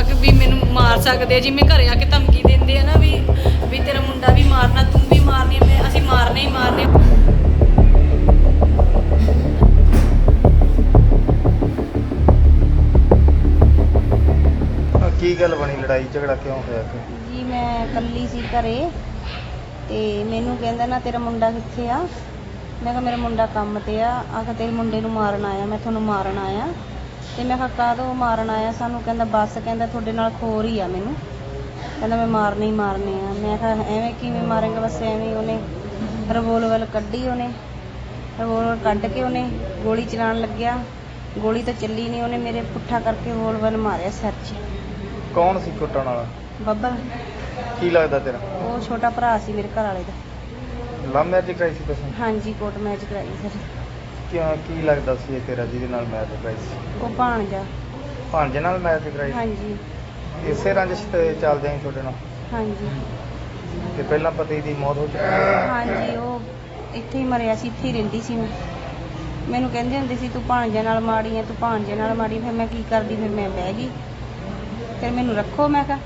ਕਿ ਵੀ ਮੈਨੂੰ ਮਾਰ ਸਕਦੇ ਆ, ਜਿਵੇਂ ਘਰੇ ਆ ਕੇ ਧਮਕੀ ਦਿੰਦੇ ਆ ਨਾ ਵੀ ਤੇਰਾ ਮੁੰਡਾ ਵੀ ਮਾਰਨਾ, ਤੂੰ ਵੀ ਮਾਰਨੀ, ਅਸੀਂ ਮਾਰਨੇ ਹੀ ਮਾਰਨੇ। ਕੀ ਗੱਲ ਬਣੀ, ਲੜਾਈ ਝਗੜਾ ਕਿਉਂ ਹੋਇਆ ਜੀ ਮੈਂ ਇਕੱਲੀ ਸੀ ਘਰੇ ਤੇ ਮੈਨੂੰ ਕਹਿੰਦਾ ਨਾ ਤੇਰਾ ਮੁੰਡਾ ਕਿੱਥੇ ਆ। ਮੈਂ ਕਿਹਾ ਮੇਰਾ ਮੁੰਡਾ ਕੰਮ ਤੇ ਆ। ਆਖਾ ਤੇਰੇ ਮੁੰਡੇ ਨੂੰ ਮਾਰਨ ਆਇਆ, ਮੈਂ ਤੁਹਾਨੂੰ ਮਾਰਨ ਆਇਆ। ਤੇ ਮੈਂ ਕਿਹਾ ਕਾਹਦੋਂ ਮਾਰਨ ਆਇਆ ਸਾਨੂੰ? ਕਹਿੰਦਾ ਬਸ, ਕਹਿੰਦਾ ਤੁਹਾਡੇ ਨਾਲ ਖੋਰ ਹੀ ਆ ਮੈਨੂੰ, ਕਹਿੰਦਾ ਮੈਂ ਮਾਰਨੇ ਹੀ ਮਾਰਨੇ ਆ। ਮੈਂ ਕਿਹਾ ਐਵੇਂ ਕਿਵੇਂ ਮਾਰੇਂਗਾ? ਬਸ ਐਵੇਂ ਹੀ ਉਹਨੇ ਰਿਵੋਲਵਰ ਕੱਢੀ, ਉਹਨੇ ਰਿਵੋਲਵਰ ਕੱਢ ਕੇ ਉਹਨੇ ਗੋਲੀ ਚਲਾਉਣ ਲੱਗਿਆ। ਗੋਲੀ ਤਾਂ ਚੱਲੀ ਨਹੀਂ, ਉਹਨੇ ਮੇਰੇ ਪੁੱਠਾ ਕਰਕੇ ਰਿਵੋਲਵਰ ਮਾਰਿਆ ਸਿਰ 'ਚ। ਕੌਣ ਸੀ ਕੁੱਟਣ ਵਾਲਾ? ਬੱਬਲ, ਕੀ ਲੱਗਦਾ ਤੇਰਾ? ਉਹ ਛੋਟਾ ਭਰਾ ਸੀ ਮੇਰੇ ਘਰ ਵਾਲੇ ਦਾ। ਲਵ ਮੈਰਿਜ ਕਰਾਈ ਸੀ ਤੁਸੀਂ? ਹਾਂਜੀ, ਕੋਰਟ ਮੈਰਿਜ ਕਰਾਈ ਸਰ। ਕਿਉਂ, ਕੀ ਲੱਗਦਾ ਸੀ ਇਹ ਤੇਰਾ ਜਿਹਦੇ ਨਾਲ ਮੈਰਿਜ ਕਰਾਈ ਸੀ? ਉਹ ਭਾਣਜਾ। ਭਾਂਜੇ ਨਾਲ ਮੈਰਿਜ ਕਰਾਈ? ਹਾਂਜੀ ਇਸੇ ਰੰਜਿਸ਼ ਤੇ ਚੱਲਦੇ ਆਂ ਤੁਹਾਡੇ ਨਾਲ? ਹਾਂਜੀ ਤੇ ਪਹਿਲਾਂ ਪਤੀ ਦੀ ਮੌਤ ਹੋ ਚੁੱਕੀ ਹੈ? ਹਾਂਜੀ, ਉਹ ਇੱਥੇ ਹੀ ਮਰਿਆ ਸੀ, ਇੱਥੇ ਹੀ ਰਹਿੰਦੀ ਸੀ ਮੈਂ। ਮੈਨੂੰ ਕਹਿੰਦੇ ਹੁੰਦੇ ਸੀ ਤੂੰ ਭਾਣਜੇ ਨਾਲ ਮਾੜੀ ਆ, ਤੂੰ ਭਾਣਜੇ ਨਾਲ ਮਾੜੀ। ਫਿਰ ਮੈਂ ਕੀ ਕਰਦੀ, ਫਿਰ ਮੈਂ ਬਹਿ ਗਈ। ਫਿਰ ਮੈਨੂੰ ਰੱਖੋ, ਮੈਂ ਕਿਹਾ।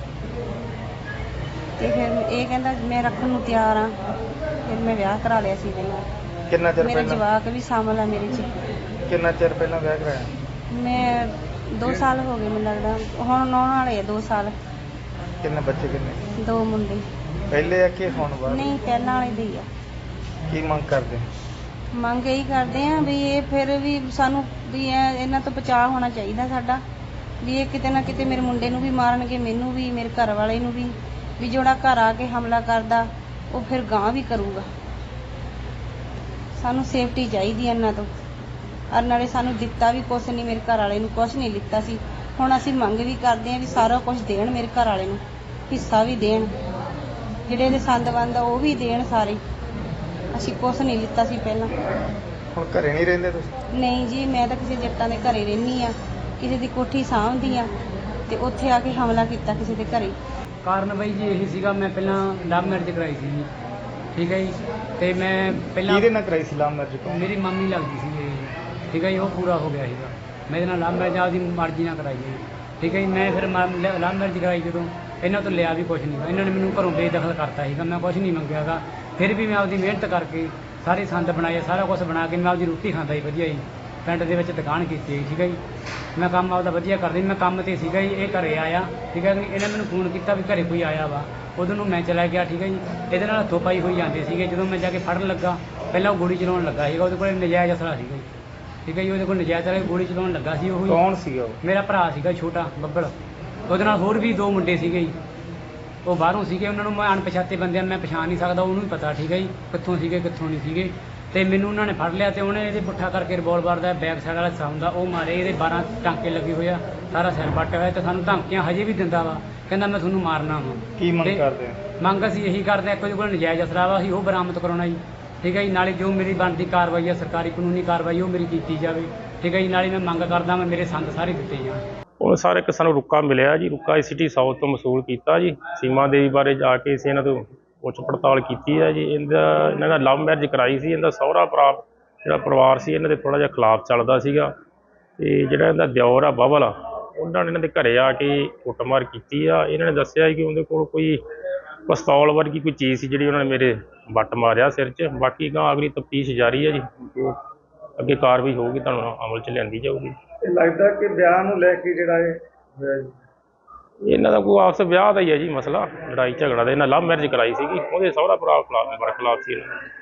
ਤੇ ਫਿਰ ਇਹ ਕਹਿੰਦਾ ਮੈਂ ਰੱਖਣ ਨੂੰ ਤਿਆਰ ਆ। ਫਿਰ ਮੈਂ ਵਿਆਹ ਕਰਾ ਲਿਆ ਸੀ ਇਹਦੇ ਨਾਲ। ਕਿੰਨਾ ਚਿਰ ਮੇਰਾ ਪਹਿਲਾਂ? ਜਵਾਕ ਵੀ ਸ਼ਾਮਲ ਆ ਮੇਰੇ 'ਚ। ਕਿੰਨਾ ਚਿਰ ਪਹਿਲਾਂ ਵਿਆਹ ਕਰਾਇਆ? ਮੈਂ 2 ਸਾਲ ਹੋ ਗਏ ਮੈਨੂੰ ਲੱਗਦਾ, ਹੁਣ ਆਉਣ ਵਾਲੇ ਆ 2 ਸਾਲ। ਕਿੰਨੇ ਬੱਚੇ? ਕਿੰਨੇ? 2 ਮੁੰਡੇ। ਪਹਿਲੇ ਆ ਕਿ ਹੁਣ ਬਾਅਦ? ਨਹੀਂ, ਪਹਿਲਾਂ ਵਾਲੇ ਦੇ ਹੀ ਆ। ਕੀ ਮੰਗ ਕਰਦੇ? ਮੰਗ ਇਹੀ ਕਰਦੇ ਆ ਵੀ ਇਹ ਫਿਰ ਵੀ ਸਾਨੂੰ ਵੀ ਇਹਨਾਂ ਤੋਂ ਬਚਾਅ ਹੋਣਾ ਚਾਹੀਦਾ ਸਾਡਾ, ਵੀ ਇਹ ਕਿਤੇ ਨਾ ਕਿਤੇ ਮੇਰੇ ਮੁੰਡੇ ਨੂੰ ਵੀ ਮਾਰਨਗੇ, ਮੈਨੂੰ ਵੀ, ਮੇਰੇ ਘਰ ਵਾਲੇ ਨੂੰ ਵੀ ਜਿਹੜਾ ਘਰ ਆ ਕੇ ਹਮਲਾ ਕਰਦਾ ਉਹ ਫਿਰ ਗਾਂਹ ਵੀ ਕਰੂਗਾ। ਸਾਨੂੰ ਸੇਫਟੀ ਚਾਹੀਦੀ ਇਹਨਾਂ ਤੋਂ। ਔਰ ਨਾਲੇ ਸਾਨੂੰ ਦਿੱਤਾ ਵੀ ਕੁਛ ਨਹੀਂ, ਮੇਰੇ ਘਰ ਵਾਲੇ ਨੂੰ ਕੁਛ ਨਹੀਂ ਦਿੱਤਾ ਸੀ। ਹੁਣ ਅਸੀਂ ਮੰਗ ਵੀ ਕਰਦੇ ਆ ਵੀ ਸਾਰਾ ਕੁਝ ਦੇਣ, ਮੇਰੇ ਘਰ ਵਾਲੇ ਨੂੰ ਹਿੱਸਾ ਵੀ ਦੇਣ, ਜਿਹੜੇ ਇਹਦੇ ਸੰਦ ਬੰਦ ਆ ਉਹ ਵੀ ਦੇਣ ਸਾਰੇ। ਅਸੀਂ ਕੁਛ ਨਹੀਂ ਲਿੱਤਾ ਸੀ ਪਹਿਲਾਂ। ਹੁਣ ਘਰੇ ਨਹੀਂ ਰਹਿੰਦੇ ਤੁਸੀਂ? ਨਹੀਂ ਜੀ, ਮੈਂ ਤਾਂ ਕਿਸੇ ਜੱਟਾਂ ਦੇ ਘਰੇ ਰਹਿੰਦੀ ਆ, ਕਿਸੇ ਦੀ ਕੋਠੀ ਸਾਂਭਦੀ ਆ, ਤੇ ਉੱਥੇ ਆ ਕੇ ਹਮਲਾ ਕੀਤਾ ਕਿਸੇ ਦੇ ਘਰੇ। ਕਾਰਨ ਬਾਈ ਜੀ ਇਹੀ ਸੀਗਾ, ਮੈਂ ਪਹਿਲਾਂ ਲਵ ਮੈਰਿਜ ਕਰਾਈ ਸੀ ਜੀ, ਠੀਕ ਹੈ ਜੀ। ਤੇ ਮੈਂ ਪਹਿਲਾਂ ਕਿਹਦੇ ਨਾਲ ਕਰਾਈ ਸੀ ਲਵ ਮੈਰਿਜ? ਮੇਰੀ ਮੰਮੀ ਲੱਗਦੀ ਸੀ ਜੀ, ਠੀਕ ਹੈ ਜੀ। ਉਹ ਪੂਰਾ ਹੋ ਗਿਆ ਸੀਗਾ। ਮੈਂ ਇਹਦੇ ਨਾਲ ਲਵ ਮੈਰਿਜ ਆਪਦੀ ਮਰਜ਼ੀ ਨਾਲ ਕਰਾਈ ਜੀ, ਠੀਕ ਹੈ ਜੀ। ਮੈਂ ਫਿਰ ਲਵ ਮੈਰਿਜ ਕਰਾਈ ਜਦੋਂ, ਇਹਨਾਂ ਤੋਂ ਲਿਆ ਵੀ ਕੁਛ ਨਹੀਂ। ਇਹਨਾਂ ਨੇ ਮੈਨੂੰ ਘਰੋਂ ਬੇਦਖਲ ਕਰਤਾ ਸੀਗਾ, ਮੈਂ ਕੁਛ ਨਹੀਂ ਮੰਗਿਆ ਗਾ। ਫਿਰ ਵੀ ਮੈਂ ਆਪਦੀ ਮਿਹਨਤ ਕਰਕੇ ਸਾਰੇ ਸੰਦ ਬਣਾਏ, ਸਾਰਾ ਕੁਛ ਬਣਾ ਕੇ ਮੈਂ ਆਪਦੀ ਰੋਟੀ ਖਾਂਦਾ ਜੀ ਵਧੀਆ ਜੀ। ਪਿੰਡ ਦੇ ਵਿੱਚ ਦੁਕਾਨ ਕੀਤੀ ਹੈ, ਠੀਕ ਹੈ ਜੀ। ਮੈਂ ਕੰਮ ਆਪਦਾ ਵਧੀਆ ਕਰਦਾ ਜੀ। ਮੈਂ ਕੰਮ 'ਤੇ ਸੀਗਾ ਜੀ, ਇਹ ਘਰੇ ਆਇਆ, ਠੀਕ ਹੈ ਜੀ। ਇਹਨੇ ਮੈਨੂੰ ਫੋਨ ਕੀਤਾ ਵੀ ਘਰੇ ਕੋਈ ਆਇਆ ਵਾ, ਉਦੋਂ ਨੂੰ ਮੈਂ ਚਲਾ ਗਿਆ, ਠੀਕ ਹੈ ਜੀ। ਇਹਦੇ ਨਾਲ ਹੱਥੋਂ ਪਾਈ ਹੋਈ ਜਾਂਦੇ ਸੀਗੇ। ਜਦੋਂ ਮੈਂ ਜਾ ਕੇ ਫੜਨ ਲੱਗਾ, ਪਹਿਲਾਂ ਉਹ ਗੋਲੀ ਚਲਾਉਣ ਲੱਗਾ ਸੀਗਾ, ਉਹਦੇ ਕੋਲ ਨਜਾਇਜ਼ ਅਸਲਾ ਸੀਗਾ ਜੀ, ਠੀਕ ਹੈ ਜੀ। ਉਹਦੇ ਕੋਲ ਨਜਾਇਜ਼ ਵਾਲੀ ਗੋਲੀ ਚਲਾਉਣ ਲੱਗਾ ਸੀ। ਉਹ ਕੌਣ ਸੀਗਾ ਉਹ? ਮੇਰਾ ਭਰਾ ਸੀਗਾ ਛੋਟਾ ਬੱਬਲ। ਉਹਦੇ ਨਾਲ ਹੋਰ ਵੀ 2 ਮੁੰਡੇ ਸੀਗੇ ਜੀ, ਉਹ ਬਾਹਰੋਂ ਸੀਗੇ। ਉਹਨਾਂ ਨੂੰ ਮੈਂ ਅਣਪਛਾਤੇ ਬੰਦਿਆਂ ਨੂੰ ਮੈਂ ਪਛਾਣ ਨਹੀਂ ਸਕਦਾ, ਉਹਨੂੰ ਹੀ ਪਤਾ, ਠੀਕ ਹੈ ਜੀ, ਕਿੱਥੋਂ ਸੀਗੇ ਕਿੱਥੋਂ ਨਹੀਂ ਸੀਗੇ। ਤੇ ਮੈਨੂੰ ਉਹਨਾਂ ਨੇ ਫੜ ਲਿਆ ਤੇ ਉਹਨੇ ਇਹਦੇ ਪੁੱਠਾ ਕਰਕੇ ਰਿਵੋਲਵਰ ਦਾ ਬੈਕ ਸਾਈਡ ਵਾਲਾ ਹਿੱਸਾ ਹੁੰਦਾ ਉਹ ਮਾਰੇ। ਇਹਦੇ 12 ਟਾਂਕੇ ਲੱਗੇ ਹੋਏ ਆ, ਸਾਰਾ ਸਿਰ ਪੱਟਿਆ ਹੋਇਆ, ਤੇ ਸਾਨੂੰ ਧਮਕੀਆਂ ਹਜੇ ਵੀ ਦਿੰਦਾ ਵਾ, ਕਹਿੰਦਾ ਮੈਂ ਤੁਹਾਨੂੰ ਮਾਰਨਾ ਵਾ। ਕੀ ਮੰਗ ਕਰਦੇ ਆ? ਮੰਗ ਅਸੀਂ ਇਹੀ ਕਰਦੇ ਆ, ਇੱਕ ਉਹਦੇ ਕੋਲ ਨਜਾਇਜ਼ ਅਸਲਾ ਵਾ, ਅਸੀਂ ਉਹ ਬਰਾਮਦ ਕਰਾਉਣਾ ਜੀ, ਠੀਕ ਹੈ ਜੀ। ਨਾਲੇ ਜੋ ਮੇਰੀ ਬਣਦੀ ਕਾਰਵਾਈ ਆ, ਸਰਕਾਰੀ ਕਾਨੂੰਨੀ ਕਾਰਵਾਈ, ਉਹ ਮੇਰੀ ਕੀਤੀ ਜਾਵੇ, ਠੀਕ ਹੈ ਜੀ। ਨਾਲੇ ਮੈਂ ਮੰਗ ਕਰਦਾ ਮੈਂ ਮੇਰੇ ਸੰਦ ਸਾਰੇ ਦਿੱਤੇ ਜਾਣ। ਉਹ ਸਰ ਇੱਕ ਸਾਨੂੰ ਰੁੱਕਾ ਮਿਲਿਆ ਜੀ, ਰੁੱਕਾ ਸਿਟੀ ਸਾਊਥ ਤੋਂ ਵਸੂਲ ਕੀਤਾ ਜੀ। ਸੀਮਾ ਦੇਵੀ ਬਾਰੇ ਜਾ ਕੇ ਅਸੀਂ ਇਹਨਾਂ ਤੋਂ ਪੁੱਛ ਪੜਤਾਲ ਕੀਤੀ ਹੈ ਜੀ। ਇਹਨਾਂ ਦਾ ਲਵ ਮੈਰਿਜ ਕਰਾਈ ਸੀ। ਇਹਦਾ ਸਹੁਰਾ ਜਿਹੜਾ ਪਰਿਵਾਰ ਸੀ ਇਹਨਾਂ ਦੇ ਥੋੜ੍ਹਾ ਜਿਹਾ ਖਿਲਾਫ ਚੱਲਦਾ ਸੀਗਾ, ਤੇ ਜਿਹੜਾ ਇਹਦਾ ਦਿਓਰ ਆ ਬਬਲ ਆ, ਉਹਨਾਂ ਨੇ ਇਹਨਾਂ ਦੇ ਘਰੇ ਆ ਕੇ ਕੁੱਟਮਾਰ ਕੀਤੀ ਆ। ਇਹਨਾਂ ਨੇ ਦੱਸਿਆ ਕਿ ਉਹਦੇ ਕੋਲ ਕੋਈ ਪਿਸਤੌਲ ਵਰਗੀ ਕੋਈ ਚੀਜ਼ ਸੀ, ਜਿਹੜੀ ਉਹਨਾਂ ਨੇ ਮੇਰੇ ਵੱਟ ਮਾਰਿਆ ਸਿਰ 'ਚ। ਬਾਕੀ ਗਾਂ ਅਗਲੀ ਤਫਤੀਸ਼ ਜਾਰੀ ਹੈ ਜੀ, ਜੋ ਅੱਗੇ ਕਾਰਵਾਈ ਹੋਊਗੀ ਤੁਹਾਨੂੰ ਅਮਲ 'ਚ ਲਿਆਂਦੀ ਜਾਊਗੀ। ਇਹ ਲੱਗਦਾ ਕਿ ਵਿਆਹ ਨੂੰ ਲੈ ਕੇ ਜਿਹੜਾ ਇਹ ਹੋਇਆ ਜੀ, ਇਹਨਾਂ ਦਾ ਕੋਈ ਆਪਸ ਵਿਆਹ ਦਾ ਹੀ ਹੈ ਜੀ ਮਸਲਾ, ਲੜਾਈ ਝਗੜਾ ਦਾ। ਇਹਨਾਂ ਲਵ ਮੈਰਿਜ ਕਰਾਈ ਸੀਗੀ, ਉਹਦੇ ਸਹੁਰਾ ਭਰਾ ਖਿਲਾਫ ਸੀ ਇਹਨਾਂ ਦਾ।